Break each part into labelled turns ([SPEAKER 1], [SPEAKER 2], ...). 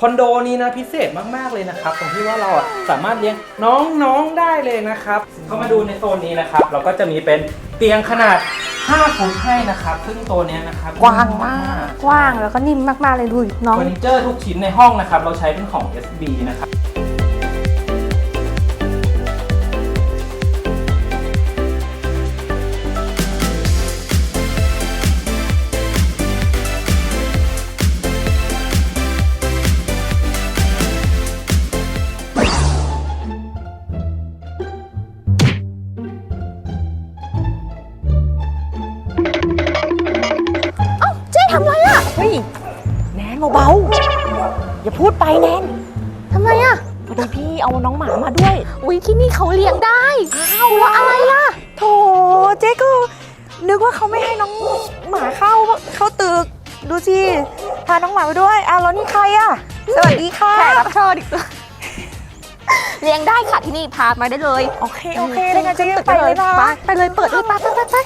[SPEAKER 1] คอนโดนี้นะพิเศษมากๆเลยนะครับตรงที่ว่าเราสามารถเลี้ยงน้องๆได้เลยนะครับเข้ามาดูในโซนนี้นะครับเราก็จะมีเป็นเตียงขนาด5 ฟุตให้นะครับซึ่งตัวนี้นะครับ
[SPEAKER 2] กว้างมากกว้างแล้วก็นิ่มมากๆเลยดูน้อง
[SPEAKER 1] เฟอร์นิเจอร์ทุกชิ้นในห้องนะครับเราใช้เป็นของ SB นะครับ
[SPEAKER 2] ทำไรอ่ะเฮ้ยแนนเบาๆอย่าพูดไปแนนทำไมอ่ะพอดีพี่เอาน้องหมามาด้วยอุ๊ยที่นี่เขาเลี้ยงได้อ้าวแล้วอะไรล่ะโถเจ๊ก็นึกว่าเขาไม่ให้น้องหมาเข้าตึกดูสิพาน้องหมาไปด้วยอ้าวแล้วนี่ใครอ่ะสวัสดีค่ะแขกรับเชิญอีกตัวเลี้ยงได้ค่ะที่นี่พามาได้เลยโอเคได้งั้นเจ๊ไปเลยไปเลยเปิดเลยไป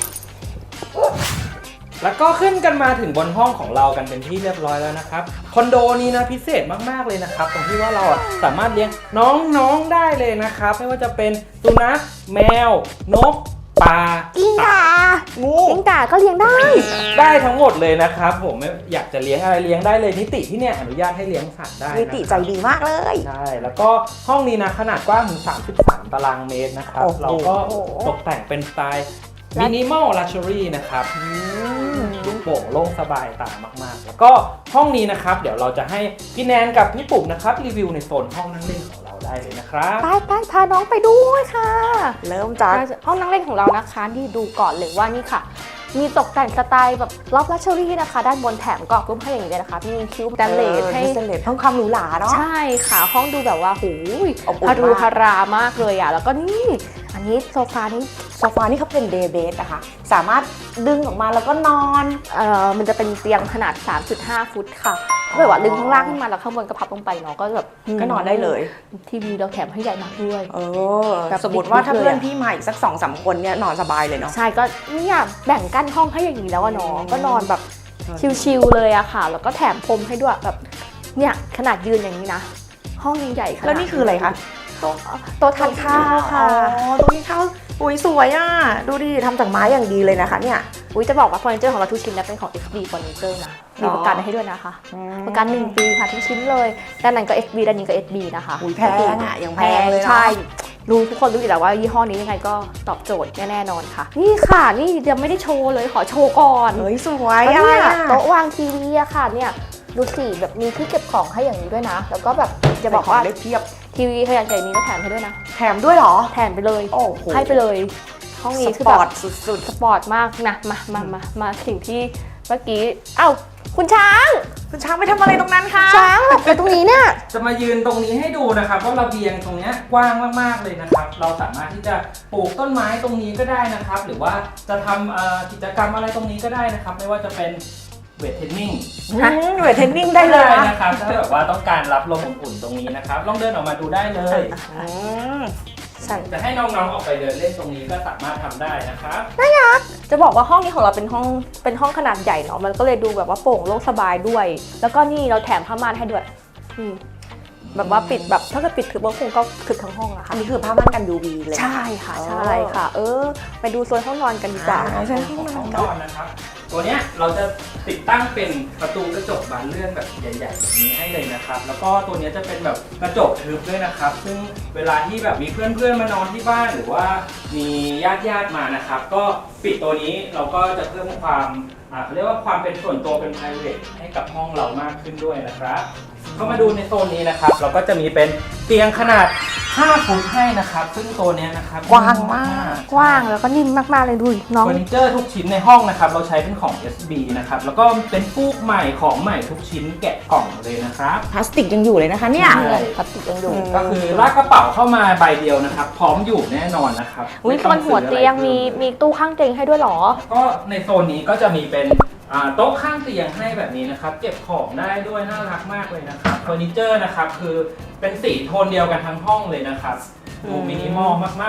[SPEAKER 1] แล้วก็ขึ้นกันมาถึงบนห้องของเรากันเป็นที่เรียบร้อยแล้วนะครับคอนโดนี้นะพิเศษมากๆเลยนะครับตรงที่ว่าเราสามารถเลี้ยงน้องๆได้เลยนะครับไม่ว่าจะเป็นสุนัขแมวนกปลา
[SPEAKER 2] กิ้งก่างูกิ้งก่าก็เลี้ยง
[SPEAKER 1] ได้ทั้งหมดเลยนะครับผมไม่อยากจะเลี้ยงอะไรเลี้ยงได้เลยนิติที่เนี่ยอนุญาตให้เลี้ยงสัตว์ได้
[SPEAKER 2] นิติใจดีมากเลย
[SPEAKER 1] ใช่แล้วก็ห้องนี้นะขนาดกว้างถึง33 ตารางเมตรนะครับเราก็ตกแต่งเป็นสไตล์มินิมอลลักชัวรี่นะครับลูกโป่งโล่งสบายตามากๆแล้วก็ห้องนี้นะครับเดี๋ยวเราจะให้พี่แนนกับพี่ปุ๋มนะครับรีวิวในโซนห้องนั่งเล่นของเราได้เลยนะครับ
[SPEAKER 2] ไปพาน้องไปด้วยค่ะเริ่มจากห้องนั่งเล่นของเรานะคะที่ดูก่อนเลยว่านี่ค่ะมีตกแต่งสไตล์แบบล็อบลักชัวรี่นะคะด้านบนแถมกรอบรูปให้อย่างนี้เลยนะคะมีคิวสแตนเลสให้
[SPEAKER 3] สแตนเลสเพิ่มความหรูหราเนาะ
[SPEAKER 2] ใช่ค่ะห้องดูแบบว่าหูฮารูฮารามากเลยอ่ะแล้วก็นี่อันนี้โซฟานี่
[SPEAKER 3] เขาเป็นเดย์เบสนะคะสามารถดึงออกมาแล้วก็นอน
[SPEAKER 2] มันจะเป็นเตียงขนาด 3.5 ฟุตค่ะแบบว่าดึงข้างล่างขึ้นมาแล้วข้างบนก็พับลงไปเนาะก็แบบ
[SPEAKER 3] ก็นอนได้เลย
[SPEAKER 2] ทีวีเราแถมให้ใหญ่มากด้วย
[SPEAKER 3] สมมติว่าถ้าเพื่อนพี่มาอีกสัก 2-3 คนเนี่ยนอนสบายเลยเนาะ
[SPEAKER 2] ใช่ก็เนี่ยแบ่งกั้นห้องให้อย่างนี้แล้วอะเนาะก็นอนแบบชิลๆเลยอะค่ะแล้วก็แถมพรมให้ด้วยแบบเนี่ยขนาดยืนอย่างนี้นะห้องยังใหญ่ขนาด
[SPEAKER 3] แล้วนี่คืออะไรคะ
[SPEAKER 2] โต๊ะทานข้าวค่ะ
[SPEAKER 3] โต๊ะทานข้าวอุ้ยสวยอ่ะดูดิทำจากไม้อย่างดีเลยนะคะเนี่ย
[SPEAKER 2] อุ้ยจะบอกว่าเฟอร์นิเจอร์ของเราทุกชิ้นเป็นของ SB เฟอร์นิเจอร์นะมีประกันให้ด้วยนะคะประกัน1 ปีค่ะทุกชิ้นเลยด้านนั้นก็ SB ด้านนี้ก็ SB นะคะ
[SPEAKER 3] อุ้ยแพงอ่ะยังแพงเลย
[SPEAKER 2] ใช่รู้ทุกคนรู้อยู่แล้วว่ายี่ห้อนี้ยังไงก็ตอบโจทย์แน่นอนค่ะนี่ค่ะนี่ยังไม่ได้โชว์เลยขอโชว์ก่อน
[SPEAKER 3] เฮ้ยสวย
[SPEAKER 2] เนี่ยโต๊ะวางทีวีอะค่ะเนี่ยดูสิแบบมีที่เก็บของให้อย่างนี้ด้วยนะแล้วก็แบบจะบอกว่า
[SPEAKER 3] ได้เพียบ
[SPEAKER 2] ทีวีขนาดใหญ่นี้ก็แถมให้ด้วยนะ
[SPEAKER 3] แถมด้วยเหรอ
[SPEAKER 2] แถมไปเลยให้ไปเลยห้องนี้
[SPEAKER 3] คือแบบสุด
[SPEAKER 2] สปอร์ตมากนะมาสิ่งที่เมื่อกี้เอ้าคุณช้าง
[SPEAKER 3] ไปทำอะไรตรงนั้นคะ
[SPEAKER 2] ช้างแบบไปตรงนี้เนี่ย
[SPEAKER 1] จะมายืนตรงนี้ให้ดูนะครับว่าระเบียงตรงนี้กว้างมากๆเลยนะครับเราสามารถที่จะปลูกต้นไม้ตรงนี้ก็ได้นะครับหรือว่าจะทำกิจกรรมอะไรตรงนี้ก็ได้นะครับไม่ว่าจะเป็นเวทเทรนนิ่ง
[SPEAKER 3] ได้เลย
[SPEAKER 1] นะครับถ้าแบบว่าต้องการรับลมอุ่นๆตรงนี้นะครับลองเดินออกมาดูได้เลยจะให้น้องๆออกไปเดินเล่นตรงนี้ก็สามารถทำได้นะครับ
[SPEAKER 2] น่ารักจะบอกว่าห้องนี้ของเราเป็นห้องขนาดใหญ่เนาะมันก็เลยดูแบบว่าโปร่งโล่งสบายด้วยแล้วก็นี่เราแถมผ้าม่านให้ด้วยแบบว่าปิดแบบถ้าเกิดปิดถือว่าคงก็ถึงทั้งห้องอะค่ะ
[SPEAKER 3] อันนี้คือผ้าม่านกัน UV เลย
[SPEAKER 2] ใช่ค่ะไปดูโซนห้องนอนกันดีกว่า
[SPEAKER 1] ใช่ห้องนอนนะครับตัวเนี้ยเราจะติดตั้งเป็นประตูกระจกบานเลื่อนแบบใหญ่ๆแบบนี้ให้เลยนะครับแล้วก็ตัวนี้จะเป็นแบบกระจกทึบด้วยนะครับซึ่งเวลาที่แบบมีเพื่อนๆมานอนที่บ้านหรือว่ามีญาติมานะครับก็ปิดตัวนี้เราก็จะเพิ่มความเขาเรียกว่าความเป็นส่วนตัวเป็น private ให้กับห้องเรามากขึ้นด้วยนะครับเข้ามาดูในโซนนี้นะครับเราก็จะมีเป็นเตียงขนาด5 ฟุตให้นะครับซึ่งตัวนี้นะครับ
[SPEAKER 2] กว้างมากกว้างแล้วก็นิ่มมากๆเลยดูน้อง
[SPEAKER 1] เฟอร์นิเจอร์ทุกชิ้นในห้องนะครับเราใช้เป็นของ SB นะครับแล้วก็เป็นฟูกใหม่ของใหม่ทุกชิ้นแกะกล่องเลยนะครับ
[SPEAKER 3] พลาสติกยังอยู่เลยนะคะเนี่ย
[SPEAKER 2] พลาสติกยังอยู่
[SPEAKER 1] ก็คือลากกระเป๋าเข้ามาใบเดียวนะครับพร้อมอยู่แน่นอนนะครับ
[SPEAKER 2] บนหัวเตียงมีตู้ข้างเตียงให้ด้วยหรอ
[SPEAKER 1] ก็ในโซนนี้ก็จะมีเป็นโต๊ะข้างเตียงให้แบบนี้นะครับเก็บของได้ด้วยน่ารักมากเลยนะครับเฟอร์นิเจอร์นะครับคือเป็นสีโทนเดียวกันทั้งห้องเลยนะครับดูมินิมอลมากๆ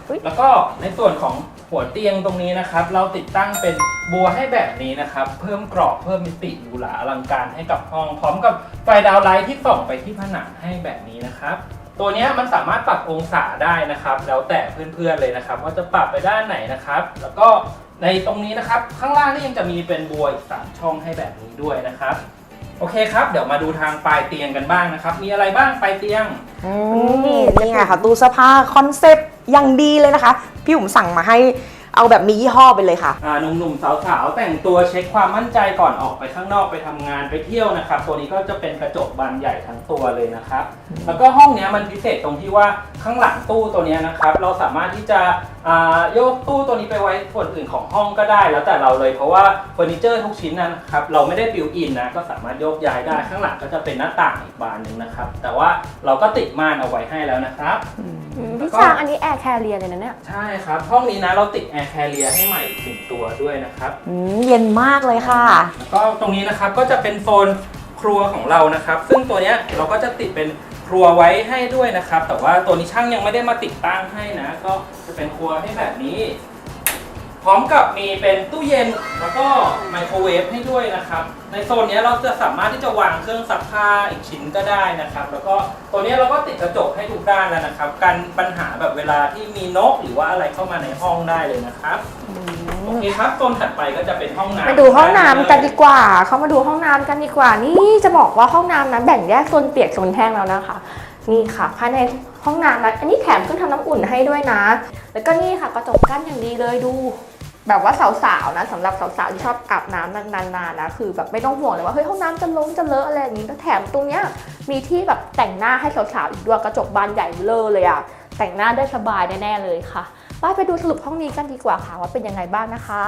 [SPEAKER 1] แล้วก็ในส่วนของหัวเตียงตรงนี้นะครับเราติดตั้งเป็นบัวให้แบบนี้นะครับเพิ่มกรอบเพิ่มมิติหรูหราอลังการให้กับห้องพร้อมกับไฟดาวไลท์ที่ส่องไปที่ผนังให้แบบนี้นะครับตัวนี้มันสามารถปรับองศาได้นะครับแล้วแต่เพื่อนๆเลยนะครับว่าจะปรับไปด้านไหนนะครับแล้วก็ในตรงนี้นะครับข้างล่างนี่ยังจะมีเป็นบัวอีก3ช่องให้แบบนี้ด้วยนะครับโอเคครับเดี๋ยวมาดูทางปลายเตียงกันบ้างนะครับมีอะไรบ้างปลายเตียง
[SPEAKER 3] นี่ไงค่ะตู้เสื้อผ้าคอนเซปต์อย่างดีเลยนะคะพี่อุ๋มสั่งมาให้เอาแบบมียี่ห้อไปเลยค่ะ
[SPEAKER 1] หนุ่มๆสาวๆแต่งตัวเช็คความมั่นใจก่อนออกไปข้างนอกไปทำงานไปเที่ยวนะครับตัวนี้ก็จะเป็นกระจกบานใหญ่ทั้งตัวเลยนะครับแล้วก็ห้องนี้มันพิเศษตรงที่ว่าข้างหลังตู้ตัวนี้นะครับเราสามารถที่จะโยกตู้ตัวนี้ไปไว้ส่วนอื่นของห้องก็ได้แล้วแต่เราเลยเพราะว่าเฟอร์นิเจอร์ทุกชิ้นนะครับเราไม่ได้บิวอินนะก็สามารถโยกย้ายได้ข้างหลังก็จะเป็นหน้าต่างอีกบานหนึ่งนะครับแต่ว่าเราก็ติดม่านเอาไว้ให้แล้วนะครับ
[SPEAKER 2] พี่ช้างอันนี้แอร์แคเรียเลยนะเนี่ย
[SPEAKER 1] ใช่ครับห้องนี้นะเราติดแอร์แคเรียให้ใหม่ถึงตัวด้วยนะครับ
[SPEAKER 3] เย็นมากเลยค่ะ
[SPEAKER 1] แล้วก็ตรงนี้นะครับก็จะเป็นโซนครัวของเรานะครับซึ่งตัวนี้เราก็จะติดเป็นครัวไว้ให้ด้วยนะครับแต่ว่าตัวนี้ช่างยังไม่ได้มาติดตั้งให้นะก็จะเป็นครัวให้แบบนี้พร้อมกับมีเป็นตู้เย็นแล้วก็ไมโครเวฟให้ด้วยนะครับในโซนนี้เราจะสามารถที่จะวางเครื่องซักผ้าอีกชิ้นก็ได้นะครับแล้วก็ตัวนี้เราก็ติดกระจกให้ทุกด้านแล้วนะครับกันปัญหาแบบเวลาที่มีนกหรือว่าอะไรเข้ามาในห้องได้เลยนะครับโอเคครับโซนถัดไปก็จะเป็นห้องน้ำ
[SPEAKER 2] ไปดูห้องน้ำกันดีกว่าเขามาดูห้องน้ำกันดีกว่านี่จะบอกว่าห้องน้ำนะแบ่งแยกโซนเปียกโซนแห้งแล้วนะคะนี่ค่ะภายในห้องน้ำนะอันนี้แถมเครื่องทำน้ำอุ่นให้ด้วยนะแล้วก็นี่ค่ะกระจกกั้นอย่างดีเลยดูแบบว่าสาวๆนะสำหรับสาวๆที่ชอบอาบน้ำนานๆนะคือแบบไม่ต้องห่วงเลยว่าเฮ้ยห้องน้ำจะล้มจะเลอะอะไรอย่างนี้แล้วแถมตรงเนี้ยมีที่แบบแต่งหน้าให้สาวๆอีกด้วยกระจกบานใหญ่เลอะเลยอะแต่งหน้าได้สบายแน่ๆเลยค่ะไปดูสรุปห้องนี้กันดีกว่าค่ะว่าเป็นยังไงบ้างนะคะ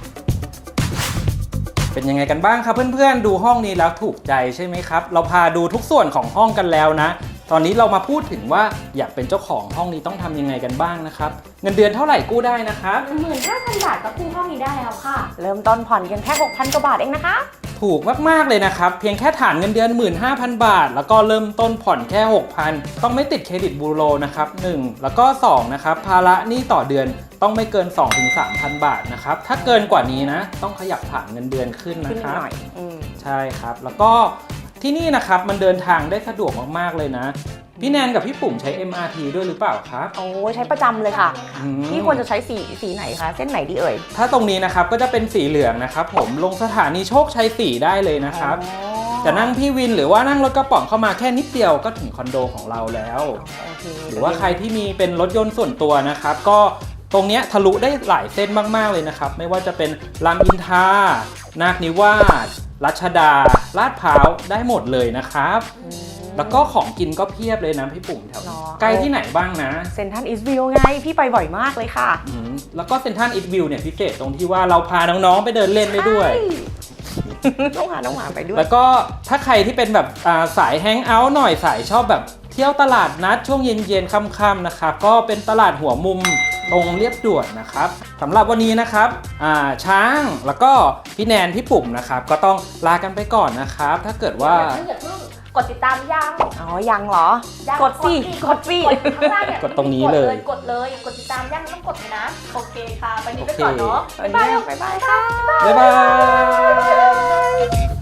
[SPEAKER 1] เป็นยังไงกันบ้างครับเพื่อนๆดูห้องนี้แล้วถูกใจใช่ไหมครับเราพาดูทุกส่วนของห้องกันแล้วนะตอนนี้เรามาพูดถึงว่าอยากเป็นเจ้าของห้องนี้ต้องทำยังไงกันบ้างนะครับเงินเดือนเท่าไหร่กู้ได้นะครับ
[SPEAKER 2] 15,000 บาทก็กู้ห้องนี้ได้แล้วค่ะ
[SPEAKER 3] เริ่มต้นผ่อนกันแค่ 6,000 กว่าบาทเองนะคะ
[SPEAKER 1] ถูกมากๆเลยนะครับเพียงแค่ฐานเงินเดือน 15,000 บาทแล้วก็เริ่มต้นผ่อนแค่ 6,000 ต้องไม่ติดเครดิตบูโรนะครับ1แล้วก็2นะครับภาระหนี้ต่อเดือนต้องไม่เกิน 2-3,000 บาทนะครับถ้าเกินกว่านี้นะต้องขยับฐานเงินเดือนขึ้นนะครับใช่ครับแล้วก็ที่นี่นะครับมันเดินทางได้สะดวกมากๆเลยนะพี่แนนกับพี่ปุ่มใช้ MRT ด้วยหรือเปล่าครับ
[SPEAKER 3] โอ้ใช้ประจำเลยค่ะพี่ควรจะใช้สีไหนคะเส้นไหนดีเอ่ย
[SPEAKER 1] ถ้าตรงนี้นะครับก็จะเป็นสีเหลืองนะครับผมลงสถานีโชคชัย4ได้เลยนะครับจะนั่งพี่วินหรือว่านั่งรถกระป๋องเข้ามาแค่นิดเดียวก็ถึงคอนโดของเราแล้วหรือว่าใครที่มีเป็นรถยนต์ส่วนตัวนะครับก็ตรงนี้ทะลุได้หลายเส้นมากๆเลยนะครับไม่ว่าจะเป็นรามอินทรานาคนิวาสรัชดาลาดพร้าวได้หมดเลยนะครับแล้วก็ของกินก็เพียบเลยนะพี่ปุ่มแถวใกล้ที่ไหนบ้างนะ
[SPEAKER 3] เซ็นทรัลอีสต์วิวไงพี่ไปบ่อยมากเลยค่ะ
[SPEAKER 1] แล้วก็เซ็นทรัลอีสต์วิวเนี่ยพิเศษตรงที่ว่าเราพาน้องๆไปเดินเล่นได้ด้วย
[SPEAKER 3] ต้องพาน้องหมาไปด้วย
[SPEAKER 1] แล้วก็ถ้าใครที่เป็นแบบสายแฮงเอาท์หน่อยสายชอบแบบเที่ยวตลาดนัดช่วงเย็นๆค่ำๆนะครับก็เป็นตลาดหัวมุมตรงเรียบด่วนนะครับสำหรับวันนี้นะครับช้างแล้วก็พี่แนนพี่ปุ่มนะครับก็ต้องลากันไปก่อนนะครับถ้าเกิดว่
[SPEAKER 2] ากดติดตามยัง
[SPEAKER 3] ยังเหรอ กดสิ
[SPEAKER 2] กด
[SPEAKER 1] กดตรงนี้เลย
[SPEAKER 2] กดติดตามยังต้องกดนะโอเคค่ะวันนี้ไปก่อนเนาะบ๊ายบายค่ะ
[SPEAKER 1] บ๊ายบาย